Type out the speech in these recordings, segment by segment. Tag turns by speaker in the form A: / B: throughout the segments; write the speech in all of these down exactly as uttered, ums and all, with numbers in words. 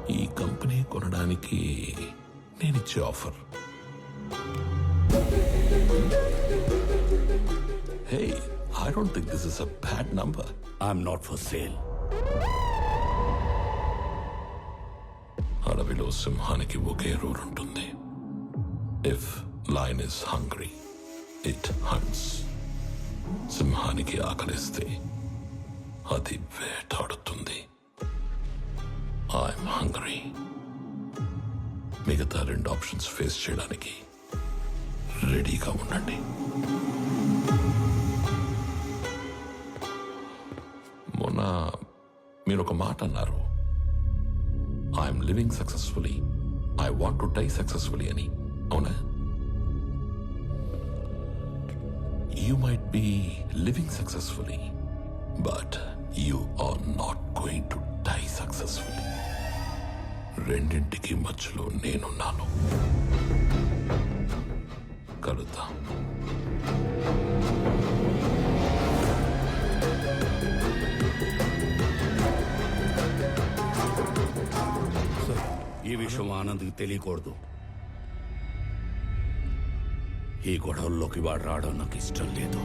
A: ఈ కంపెనీ కొనడానికి నేనిచ్చే offer. Hey, I don't think this is a bad number.
B: I'm not for sale.
A: అడవిలో సింహానికి ఒకే రూల్ ఉంటుంది. If lion is hungry it hunts. సింహానికి ఆకలిస్తే అది వేటాడుతుంది. I'm hungry. మిగతా రెండు ఆప్షన్స్ ఫేస్ చేయడానికి రెడీగా ఉండండి. మొన్న మీరు ఒక మాట అన్నారు, I'm living successfully, I want to die successfully అని. అవునా? You might be living successfully, but you are not going to die successfully. రెండింటికి మధ్యలో నేనున్నాను. కలుద్దాం.
B: ఈ విషయం ఆనంద్కి తెలియకూడదు. ఈ గొడవల్లోకి వాడు రావడం నాకు ఇష్టం లేదు.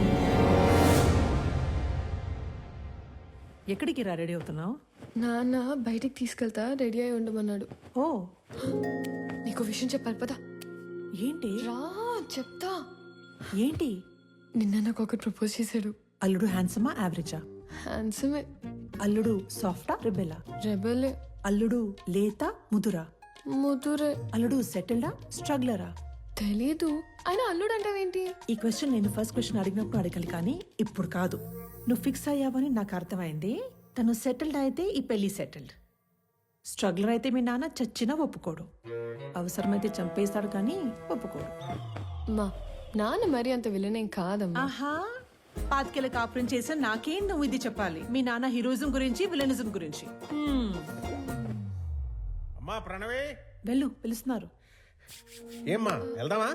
C: ఎక్కడికి రా రెడీ అవుతున్నావు?
D: నాన్న బయటికి తీసుకెళ్తా, రెడీ అయి ఉండమన్నాడు.
C: ఓ,
D: నీకు విషయం చెప్పాలి పదా.
C: ఏంటి?
D: రా చెప్తా.
C: ఏంటి?
D: నిన్న నాకు ఒకటి ప్రపోజ్ చేశాడు.
C: అల్లుడు హ్యాండ్సమా యావరేజా?
D: హ్యాండ్సమే.
C: అల్లుడు సాఫ్టా రెబెలా?
D: రెబలే.
C: అల్లుడు లేతా ముదురా?
D: ముదురే.
C: అల్లుడు సెటిల్డా స్ట్రగ్లరా?
D: తెలీదు. ఆయన అల్లుడు అంటావేంటి?
C: ఈ క్వశ్చన్ నేను ఫస్ట్ క్వశ్చన్ అడిగినప్పుడు అడగాలి, కానీ ఇప్పుడు కాదు. నువ్వు ఫిక్స్ అయ్యావని నాకు అర్థమైంది. తను సెటిల్డ్ అయితే ఈ పెళ్లి సెటిల్డ్. స్ట్రగ్లర్ అయితే మీ నాన్న చచ్చినా ఒప్పుకోడు. అవసరమైతే చంపేస్తాడు, కానీ ఒప్పుకోడు.
D: మా నాన్న మరి అంత విలనేం కాదమ్మా.
C: ఆహా, పాతికేళ్ళ కాపురం చేసా నాకేం నువ్వు ఇది చెప్పాలి? మీ నాన్న హీరోయిజం గురించి, విలనిజం గురించి.
E: అమ్మా ప్రణవే,
C: వెళ్ళు, పిలుస్తున్నారు.
E: ఏమ్మా వెళ్దామా?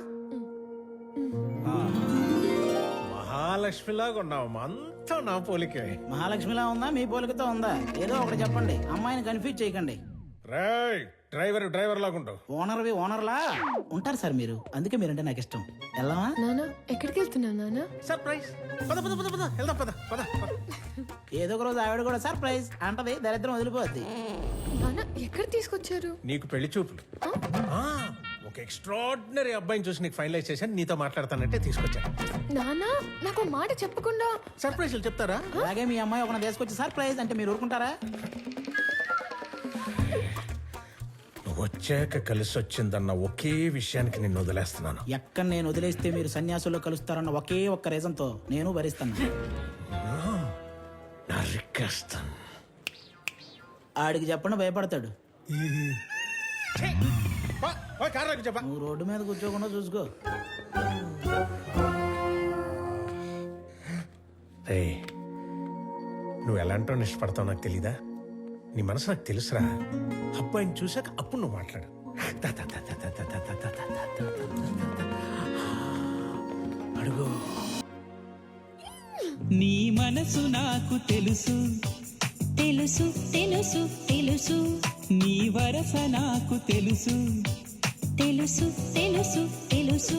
E: మహాలక్ష్మిలాగా ఉన్నావమ్మా, అంతా నా పోలికే.
F: మహాలక్ష్మిలా ఉందా మీ పోలికతో ఉందా? ఏదో ఒకటి చెప్పండి, అమ్మాయిని కన్ఫ్యూజ్ చేయకండి.
E: రేయ్, డ్రైవర్ డ్రైవర్ లాగుంటావు.
F: ఓనర్వి ఓనర్లా ఉంటారు సార్ మీరు, అందుకే మీరంటే నాకు ఇష్టం. వెళ్దామా?
D: నాన్న ఎక్కడికి వెళ్తున్నావు నాన్న?
E: సర్ప్రైజ్. పద పద పద పద వెళ్దాం, పద పద.
F: ఏదో ఒక రోజు ఆవిడ కూడా సర్ప్రైజ్ అంటది, దరిద్రం వదిలిపోద్ది.
D: నాన్న ఎక్కడ తీసుకొచ్చారు?
E: నీకు పెళ్లి చూపులు. ఆ, ఒక ఎక్స్ట్రాడినరీ అబ్బాయిని చూసి నీకు ఫైనలైజ్ చేశాను, నీతో మాట్లాడతానంటే తీసుకొచ్చాను.
D: నాన్న నాకు మాట చెప్పకుండా
E: సర్ప్రైజ్లు చెప్తారా?
F: అలాగే మీ అమ్మాయి ఒక తీసుకొచ్చి సర్ప్రైజ్ అంటే మీరు ఊరుకుంటారా?
E: వచ్చాక కలిసి వచ్చిందన్న ఒకే విషయానికి నిన్ను వదిలేస్తున్నాను.
F: ఎక్కడ నేను వదిలేస్తే మీరు సన్యాసుల్లో కలుస్తారన్న ఒకే ఒక్క రీజన్ తో నేను భరిస్తాను.
E: నరికేస్తాను.
F: ఆడికి చెప్పండి, భయపడతాడు.
E: చెప్పా,
F: నువ్వు రోడ్డు మీద కూర్చోకుండా చూసుకో.
E: నువ్వు ఎలాంటో ఇష్టపడతావు నాకు తెలీదా? నీ మనసు నాకు తెలుసురా. అబ్బాయిని చూసాక అప్పుడు నువ్వు మాట్లాడు. అడుగు.
G: నీ మనసు నాకు తెలుసు తెలుసు తెలుసు తెలుసు, నీ వరస నాకు తెలుసు తెలుసు తెలుసు తెలుసు.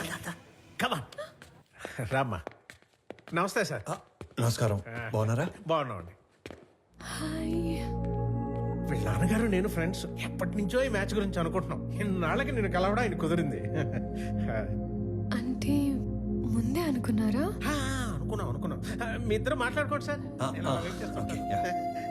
E: రామ్మా. నమస్తే సార్.
H: నమస్కారం. బాగున్నారా?
E: బాగున్నామండి.
D: హాయ్.
E: వీళ్ళ నాన్నగారు నేను ఫ్రెండ్స్. ఎప్పటి నుంచో ఈ మ్యాచ్ గురించి అనుకుంటున్నాం. ఇన్నాళ్ళకి నేను కలవడం ఆయన కుదిరింది.
D: అంటే ముందే అనుకున్నారా?
E: ఆ, అనుకున్నాం అనుకున్నాం. మీ ఇద్దరు మాట్లాడుకోండి సార్. నేను అలా వెయిట్ చేస్తాను.
H: Okay, yeah.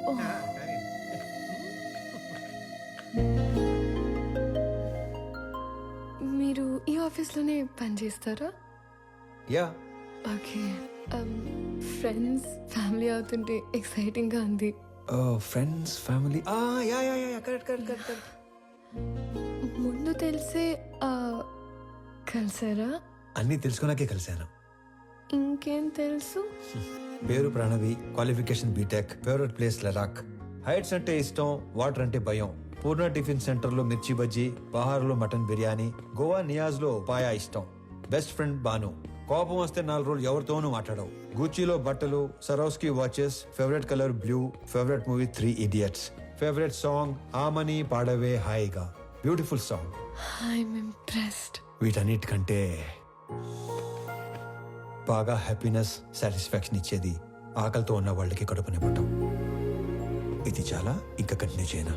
D: మీరు ఈ ఆఫీస్లోనే పని చేస్తారా?
H: యా.
D: ఓకే. ఫ్రెండ్స్ ఫ్యామిలీ అవుతుంటే ఎక్సైటింగ్ గా ఉంది.
H: Friends family. Yeah yeah yeah correct correct correct.
D: ముందు తెలిసే కలిసారా?
H: అన్నీ తెలుసుకున్నాకే కలిశాను.
D: ఇంకేం తెలుసు?
H: పేరు Pranavi, qualification BTech, favourite place Ladakh, heights అంటే ఇష్టం, వాటర్ అంటే భయం, పూర్ణ టిఫిన్ సెంటర్ లో మిర్చి బజ్జీ, బహార్ లో మటన్ బిర్యానీ, గోవా నియాజ్ లో పాయా ఇష్టం, బెస్ట్ ఫ్రెండ్ బాను, కోపం వస్తే నాలుగు రోజులు ఎవరితోనూ మాట్లాడవు, గూచీలో బట్టలు, Swarovski watches, favourite colour blue, favourite movie Three Idiots, favourite song Aamani Paadave Haayiga, beautiful song.
D: I'm impressed.
H: వీటన్నిటికంటే బాగా హ్యాపీనెస్, సాటిస్ఫాక్షన్ ఇచ్చేది ఆకలితో ఉన్న వాళ్ళకి కడుపు నింపటం. ఇది చాలా, ఇంకా కంటిన్యూ చేయనా?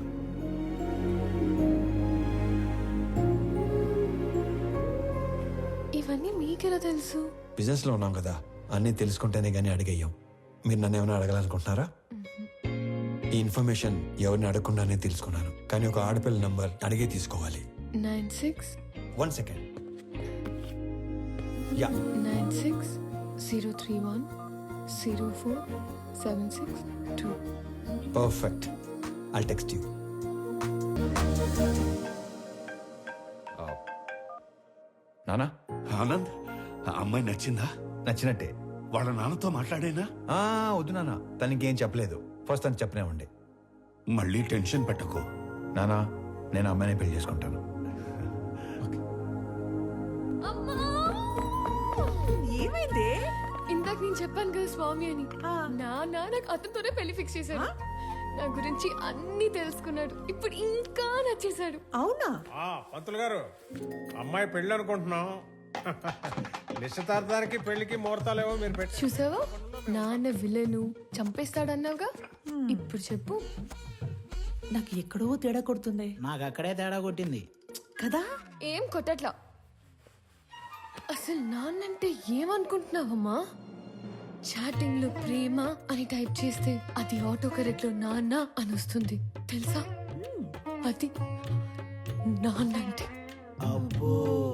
D: ఇవన్నీ మీకెలా తెలుసు?
H: బిజినెస్ లో ఉన్నాం కదా, అన్నీ తెలుసుకుంటేనే గానీ అడిగేయం. మీరు నన్ను ఏమైనా అడగాలనుకుంటున్నారా? ఈ ఇన్ఫర్మేషన్ ఎవరిని అడగకుండానే తెలుసుకున్నాను, కానీ ఒక ఆడపిల్ల నంబర్ అడిగే తీసుకోవాలి.
D: Nine six
H: one second. Yeah,
D: nine six zero three one zero four seven six two.
H: Perfect. I'll text you.
B: నానా, ఆనంద్, ఆ అమ్మాయి నచ్చిందా?
H: నచ్చినట్టే.
B: వాళ్ళ నాన్నతో మాట్లాడేనా?
H: ఆ, వద్దు నాన్న, తనకేం చెప్పలేదు. ఫస్ట్ తను చెప్పనేవ్వండి.
B: మళ్ళీ టెన్షన్ పెట్టకు.
H: నానా, నేను అమ్మాయిని పెళ్లి చేసుకుంటాను.
C: ఏమైంది?
D: ఇందాక నేను చెప్పాను కదా స్వామి అని. నా నాకు అతనితోనే పెళ్లి ఫిక్స్ చేశాడు. నా గురించి అన్ని తెలుసుకున్నాడు. ఇప్పుడు ఇంకా నచ్చేశాడు.
C: అవునా?
E: ఆ, పంతులు గారు, అమ్మాయి పెళ్ళి అనుకుంటున్నాం. నిశ్చితార్థానికి పెళ్లికి ముహూర్తాలేవో మీరు పెట్టి.
D: చూసావా, నాన్న విలను చంపేస్తాడన్నావుగా. ఇప్పుడు చెప్పు.
C: నాకు ఎక్కడో తేడా కొడుతుంది
F: నాకు అక్కడే తేడా కొట్టింది
C: కదా.
D: ఏం కొట్టట్లా. అసలు నాన్నంటే ఏమనుకుంటున్నావమ్మా? చాటింగ్ లో ప్రేమ అని టైప్ చేస్తే అది ఆటో కరెక్ట్ లో నాన్న అని వస్తుంది తెలుసా? అది నాన్నంటే.
F: అబ్బో.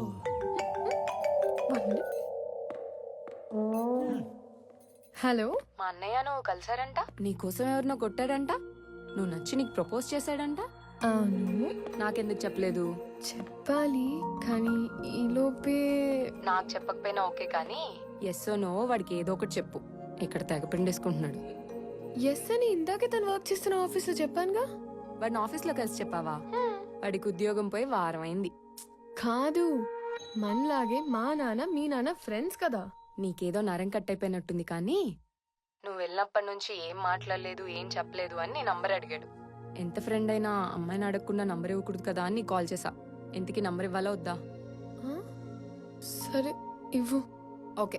D: హలో,
I: మా అన్నయ్య నువ్వు కలిసారంట, నీకోసం ఎవరినో కొట్టాడంట, నువ్వు నచ్చి నీకు ప్రపోజ్ చేశాడంట.
D: అవును.
I: నాకెందుకు చెప్పలేదు?
D: చెప్పాలి కానీ ఈలోపే.
I: నాకు చెప్పకపోయినా ఓకే, కానీ ఎస్ నో వాడికి ఏదో ఒకటి చెప్పు. ఇక్కడ తెగ పిండేసుకుంటున్నాడు.
D: ఎస్ అని ఇందాకే తను వర్క్ చేస్తున్న ఆఫీస్ లో చెప్పానుగా.
I: వాడిని ఆఫీస్లో కలిసి చెప్పావా? వాడికి ఉద్యోగం పోయి వారం అయింది.
D: కాదు, మనలాగే మా నాన్న మీ నాన్న ఫ్రెండ్స్ కదా.
I: నీకేదో నరం కట్టయిపోయినట్టుంది, కానీ నువ్వు వెళ్ళినప్పటి నుంచి ఏం మాట్లాడలేదు, ఏం చెప్పలేదు అని నీ నంబర్ అడిగాడు. ఎంత ఫ్రెండ్ అయినా అమ్మాయిని అడగకుండా నంబర్ ఇవ్వకూడదు కదా అని కాల్ చేసా. ఎంతకి నంబర్ ఇవ్వాలా వద్దా?
D: ఆ? సరే ఇవ్వు.
I: ఓకే.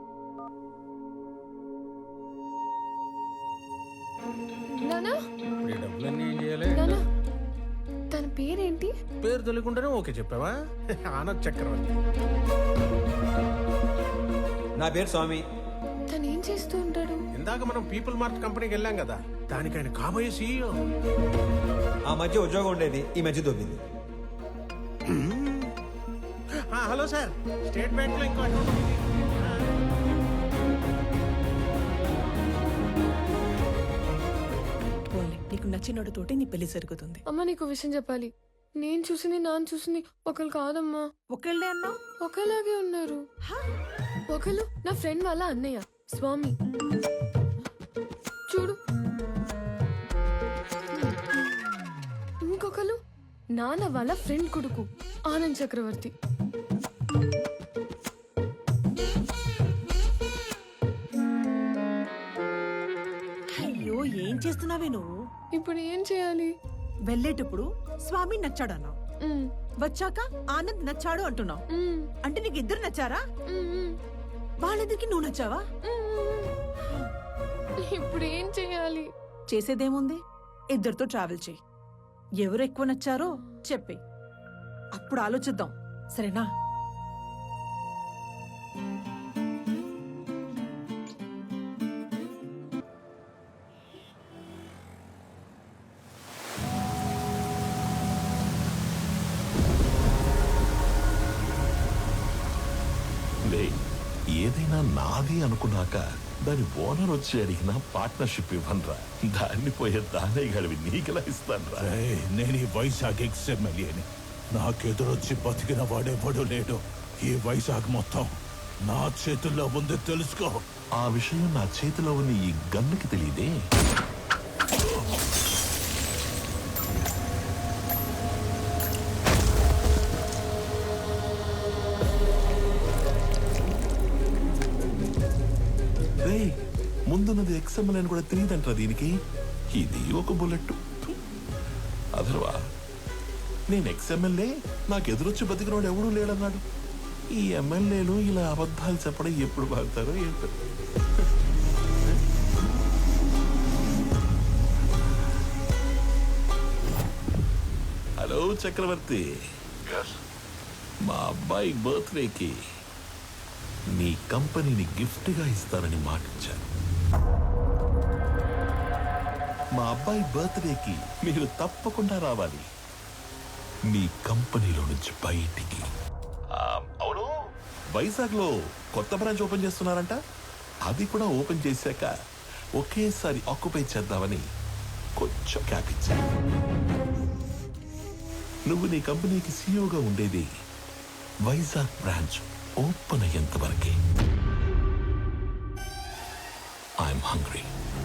D: నానా,
E: ఈ డబ్బులన్నీ ఏం చేయాలి?
D: నానా, తన పేరేంటి?
E: పేరు తెలియకుండానే ఓకే చెప్పావా? ఆనంద్ చక్రవర్తి.
H: నా పేరు స్వామి.
D: తను ఏం చేస్తూ ఉంటాడు?
E: ఇందాక మనం పీపుల్ మార్ట్ కంపెనీకి వెళ్ళాం కదా, దానికి ఆయన కాబోయే సీఈఓ.
H: ఆ మధ్య ఉద్యోగం ఉండేది, ఈ మధ్య దొబ్బింది.
E: ఆ, హలో సార్, స్టేట్ బ్యాంక్ లో ఇంకో అకౌంట్ ఉంది.
C: పోన్లే, నీకు నచ్చినోడితోటి నీ పెళ్లి జరుగుతుంది.
D: అమ్మ, నీకు విషయం చెప్పాలి. నేను చూసింది నాన్న చూసింది ఒకరు కాదమ్మా.
C: ఒకళ్ళే అన్నావు.
D: ఒకలాగే ఉన్నారు. ఒకరు నా ఫ్రెండ్ వాళ్ళ అన్నయ్య స్వామి. చూడు. ఇంకొకరు నాన్న వాళ్ళ ఫ్రెండ్ కొడుకు ఆనంద్ చక్రవర్తి.
C: అయ్యో, ఏం చేస్తున్నావే నువ్వు?
D: ఇప్పుడు ఏం చేయాలి?
C: వెళ్ళేటప్పుడు స్వామి నచ్చాడు అన్నావు,
D: ఉమ్,
C: వచ్చాక ఆనంద్ నచ్చాడు అంటున్నావు.
D: ఉమ్,
C: అంటే నీకు ఇద్దరు నచ్చారా?
D: ఉమ్, ఉమ్,
C: వాళ్ళిద్దరికి నువ్వు నచ్చావా?
D: ఉమ్. ఇప్పుడు ఏం చేయాలి?
C: చేసేదేముంది, ఇద్దరితో ట్రావెల్ చేయి. ఎవరు ఎక్కువ నచ్చారో చెప్పే, అప్పుడు ఆలోచిద్దాం. సరేనా?
A: లే, ఏదైనా నాది అనుకున్నాక దాని ఓనర్ వచ్చి అడిగిన పార్ట్నర్షిప్ ఇవ్వనరా. దాన్ని పోయే దానే గడివి నీకెలా ఇస్తానరా?
B: నేను ఈ వైజాగ్ ఎక్స్ ఎమ్మెల్యేని. నాకెదురొచ్చి బతికిన వాడెవడు లేడు. ఈ వైజాగ్ మొత్తం నా చేతుల్లో ఉంది, తెలుసుకో.
A: ఆ విషయం నా చేతిలో ఉన్న ఈ గన్నుకి తెలియదే. ముందున్నది ఎక్స్ఎంఎల్ అని కూడా తెలియదంటారా దీనికి? ఇది ఒక బుల్లెట్. అదర్వా నేను ఎక్స్ ఎమ్మెల్యే, నాకు ఎదురొచ్చి బతికినోడు ఎవడూ లేడన్నాడు. ఈ ఎమ్మెల్యేలు ఇలా అబద్ధాలు చెప్పడం ఎప్పుడు బాగుతారో ఏంటో. హలో చక్రవర్తి, మా అబ్బాయి బర్త్డేకి నీ కంపెనీని గిఫ్ట్గా ఇస్తానని మాటిచ్చాను. మా అబ్బాయి బర్త్డేకి మీరు తప్పకుండా రావాలి మీ కంపెనీలో నుంచి బయటికి. ఆ, అవును, వైజాగ్ లో కొత్త బ్రాంచ్ ఓపెన్ చేస్తున్నారంట. అది కూడా ఓపెన్ చేశాక ఒకేసారి ఆక్యుపై చేద్దామని కొంచెం క్యాప్ ఇచ్చా. నువ్వు నీ కంపెనీకి సీఈఓగా ఉండేది వైజాగ్ బ్రాంచ్ ఓపెన్ అయ్యేంత వరకే. I'm hungry.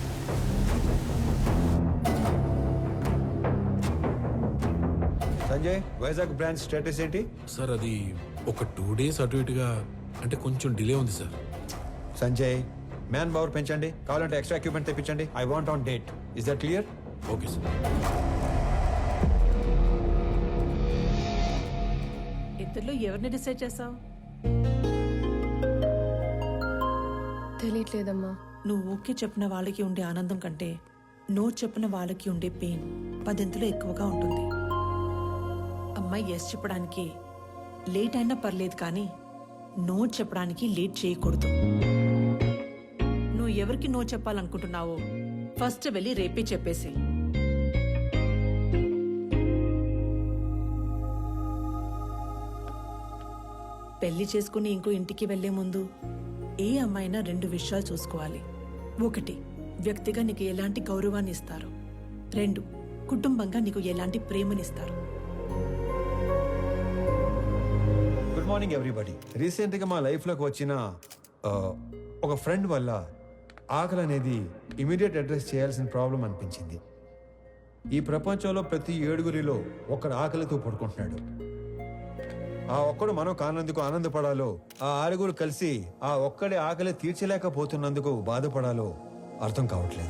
H: Sanjay, Vizag branch status ఏంటి?
E: సార్ అది ఒక టూ డేస్ అటు ఇటుగా అంటే కొంచెం డిలే ఉంది సార్.
H: సంజయ్, మ్యాన్ పవర్ పెంచండి, కావాలంటే ఎక్స్ట్రా ఎక్విప్మెంట్ తెప్పించండి. I want on date. Is that clear?
E: Okay sir.
C: ఇద్దరిలో ఎవరిని డిసైడ్ చేసావు?
D: తెలియట్లేదమ్మా.
C: నువ్వు ఓకే చెప్పిన వాళ్ళకి ఉండే ఆనందం కంటే నో చెప్పిన వాళ్ళకి ఉండే పెయిన్ పదింతలో ఎక్కువగా ఉంటుంది. అమ్మాయి ఎస్ చెప్పడానికి లేట్ అయినా పర్లేదు, కానీ నో చెప్పడానికి లేట్ చేయకూడదు. నువ్వు ఎవరికి నో చెప్పాలనుకుంటున్నావో ఫస్ట్ వెళ్ళి రేపే చెప్పేసి. పెళ్లి చేసుకుని ఇంకో ఇంటికి వెళ్లే ముందు ఏ అమ్మాయినా రెండు విషయాలు చూసుకోవాలి. ఒకటి, వ్యక్తిగా నీకు ఎలాంటి గౌరవాన్ని ఇస్తారు. రెండు, కుటుంబంగా నీకు ఎలాంటి ప్రేమనిస్తారు.
H: Good morning everybody. రీసెంట్గా మా లైఫ్లోకి వచ్చిన ఆ, ఒక ఫ్రెండ్ వల్ల ఆకలి అనేది ఇమీడియట్ అడ్రస్ చేయాల్సిన ప్రాబ్లం అనిపించింది. ఈ ప్రపంచంలో ప్రతి ఏడుగురిలో ఒకడు ఆకలితో పడుకుంటున్నాడు. ఆ ఒక్కడు మనం కానందుకు ఆనందపడాలో, ఆ ఆరుగురు కలిసి ఆ ఒక్కడి ఆకలి తీర్చలేకపోతున్నందుకు బాధపడాలో అర్థం కావట్లేదు.